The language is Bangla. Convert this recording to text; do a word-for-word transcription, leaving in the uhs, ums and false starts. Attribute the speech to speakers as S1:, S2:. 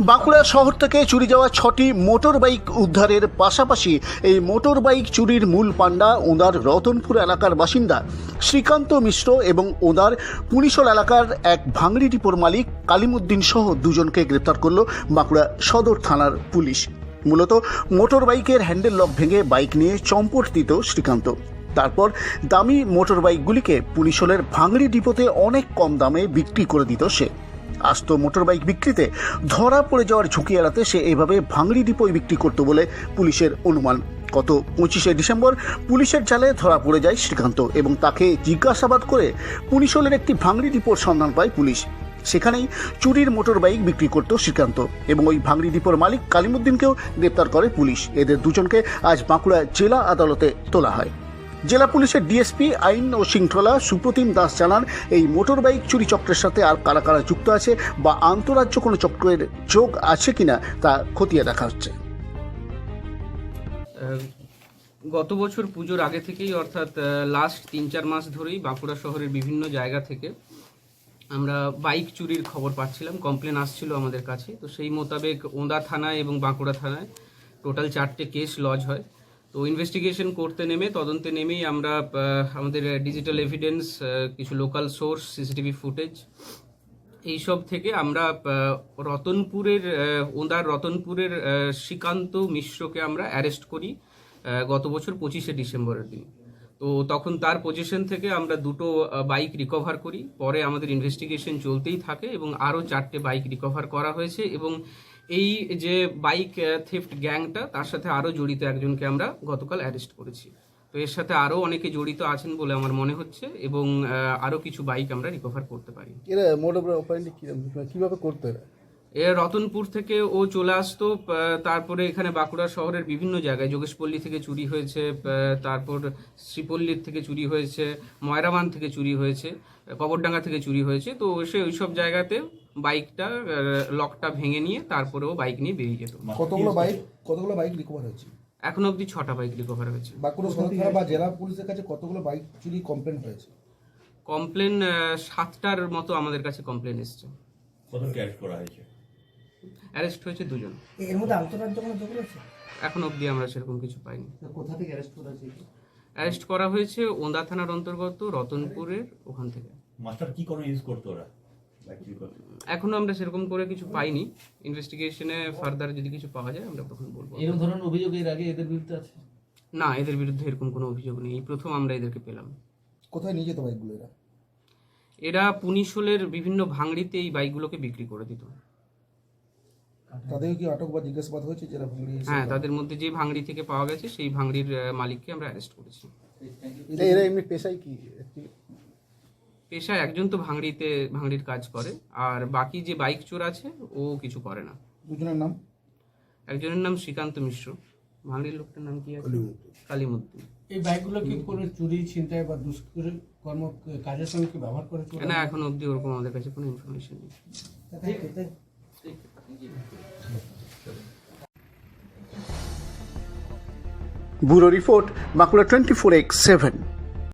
S1: বাঁকুড়া শহর থেকে চুরি যাওয়া ছটি মোটর বাইক উদ্ধারের পাশাপাশি এই মোটর বাইক চুরির মূল পাণ্ডা ওঁদার রতনপুর এলাকার বাসিন্দা শ্রীকান্ত মিশ্র এবং ওঁদার পুনিশল এলাকার এক ভাঙড়ি ডিপোর মালিক কালিমুদ্দিন সহ দুজনকে গ্রেপ্তার করল বাঁকুড়া সদর থানার পুলিশ। মূলত মোটর বাইকের হ্যান্ডেল লক ভেঙে বাইক নিয়ে চম্পট দিত শ্রীকান্ত। তারপর দামি মোটর বাইকগুলিকে পুনিশলের ভাঙড়ি ডিপোতে অনেক কম দামে বিক্রি করে দিত সে। আস্ত মোটর বাইক বিক্রিতে ধরা পড়ে যাওয়ার ঝুঁকি এড়াতে সে এইভাবে ভাঙড়ি ডিপোয় বিক্রি করত বলে পুলিশের অনুমান। গত পঁচিশে ডিসেম্বর পুলিশের জালে ধরা পড়ে যায় শ্রীকান্ত এবং তাকে জিজ্ঞাসাবাদ করে পুনিশলের একটি ভাঙড়ি ডিপোর সন্ধান পায় পুলিশ। সেখানেই চুরির মোটর বাইক বিক্রি করত শ্রীকান্ত এবং ওই ভাঙড়ি ডিপোর মালিক কালিমুদ্দিনকেও গ্রেপ্তার করে পুলিশ। এদের দুজনকে আজ বাঁকুড়া জেলা আদালতে তোলা হয়। জেলা পুলিশের ডিএসপি আইন ও শৃঙ্খলা সুপ্রতিম দাস জানান, এই মোটর বাইক চুরি চক্রের সাথে আর কারা কারা যুক্ত আছে বা আন্তঃরাজ্য কোনো চক্রের যোগ আছে কিনা তা খতিয়ে দেখা হচ্ছে।
S2: গত বছর পুজোর আগে থেকেই অর্থাৎ লাস্ট তিন চার মাস ধরেই বাঁকুড়া শহরের বিভিন্ন জায়গা থেকে আমরা বাইক চুরির খবর পাচ্ছিলাম, কমপ্লেন আসছিল আমাদের কাছে। তো সেই মোতাবেক ওঁদা থানায় এবং বাঁকুড়া থানায় টোটাল চারটে কেস লজ হয়। তো ইনভেস্টিগেশন করতে নেমে তদন্তে নেমেই আমরা আমাদের ডিজিটাল এভিডেন্স, কিছু লোকাল সোর্স, সিসিটিভি ফুটেজ এইসব থেকে আমরা রতনপুরের ওঁদার রতনপুরের শ্রীকান্ত মিশ্রকে আমরা অ্যারেস্ট করি গত বছর পঁচিশে ডিসেম্বরের দিন। তো তখন তার পজিশন থেকে আমরা দুটো বাইক রিকভার করি। পরে আমাদের ইনভেস্টিগেশন চলতেই থাকে এবং আরও চারটে বাইক রিকভার করা হয়েছে এবং এই যে বাইক থেফট গ্যাংটা তার সাথে আরও জড়িত একজনকে আমরা গতকাল অ্যারেস্ট করেছি। তো এর সাথে আরও অনেকে জড়িত আছেন বলে আমার মনে হচ্ছে এবং আরও কিছু বাইক আমরা রিকভার করতে পারি।
S1: এরা মোটর কিভাবে করতে
S2: এ রতনপুর থেকে ও চলে আসতো, তারপরে এখানে বাঁকুড়া শহরের বিভিন্ন জায়গায় যোগেশপল্লী থেকে চুরি হয়েছে, তারপর শ্রীপল্লীর থেকে চুরি হয়েছে, ময়রাবান থেকে চুরি হয়েছে, কবরডাঙ্গা থেকে চুরি হয়েছে। তো সে ওইসব জায়গাতে বাইকটা লকটা ভেঙে নিয়ে তারপরেও বাইক নিয়ে বেরিয়ে যেত।
S3: কতগুলো বাইক কতগুলো বাইক রিকভার হয়েছে?
S2: এখন অবধি ছটা বাইক রিকভার হয়েছে।
S3: বাঁকুড়া সদর থানা বা জেলা পুলিশের কাছে কতগুলো বাইক চুরি কমপ্লেন হয়েছে?
S2: কমপ্লেন সাতটার মতো আমাদের কাছে কমপ্লেন এসছে।
S4: কতজনকে অ্যারেস্ট করা হয়েছে?
S2: অ্যারেস্ট হয়েছে দুজন।
S3: এর মধ্যে আন্তঃরাজ্য কোনো যোগ আছে?
S2: এখন অবধি আমরা সেরকম কিছু পাইনি।
S3: কোথা থেকে অ্যারেস্ট করা হয়েছে?
S2: অ্যারেস্ট করা হয়েছে ওঁদা থানার অন্তর্গত রতনপুরের ওখান থেকে।
S4: মাস্টার কি কোনো ইউজ করতো ওরা?
S2: এখনো আমরা সেরকম করে কিছু পাইনি। ইনভেস্টিগেশনে ফার্দার যদি কিছু পাওয়া যায় আমরা তখন বলবো।
S5: এরকম ধরনের অভিযোগ এর আগে এদের বিরুদ্ধে আছে?
S2: না, এদের বিরুদ্ধে এরকম কোনো অভিযোগ নেই। এই প্রথম আমরা এদেরকে পেলাম।
S3: কোথায় নিয়ে যেত বাইকগুলো এরা?
S2: এরা পুনিশলের বিভিন্ন ভাঙড়িতে এই বাইকগুলোকে বিক্রি করে দিত।
S3: তাদের কি আটক বা জিজ্ঞাসাবাদ হয়েছে যারা ভাঙড়ি?
S2: হ্যাঁ, তাদের মধ্যে যে ভাঙড়ি থেকে পাওয়া গেছে সেই ভাঙড়ির মালিককে আমরা অ্যারেস্ট করেছি।
S1: এরা এমনি পেশায় কি?
S2: পেশায় একজন তো ভাঙড়িতে ভাঙড়ির কাজ করে, আর বাকি যে বাইক চোর আছে ও কিছু করে না।
S3: দুজনের নাম?
S2: একজনের নাম শ্রীকান্ত মিশ্র, ভাঙড়ির লোকটার নাম কি আছে? কালিমুদ্দিন।
S5: এই বাইকগুলো কি করে চুরি, ছিনতাই বা দুষ্কর্ম কর্ম কাজের সঙ্গে কি ব্যবহার করে?
S2: না, এখন অবধি ওরকম আমাদের কাছে কোনো ইনফরমেশন নেই।
S1: Bureau report, Bankura twenty four X seven.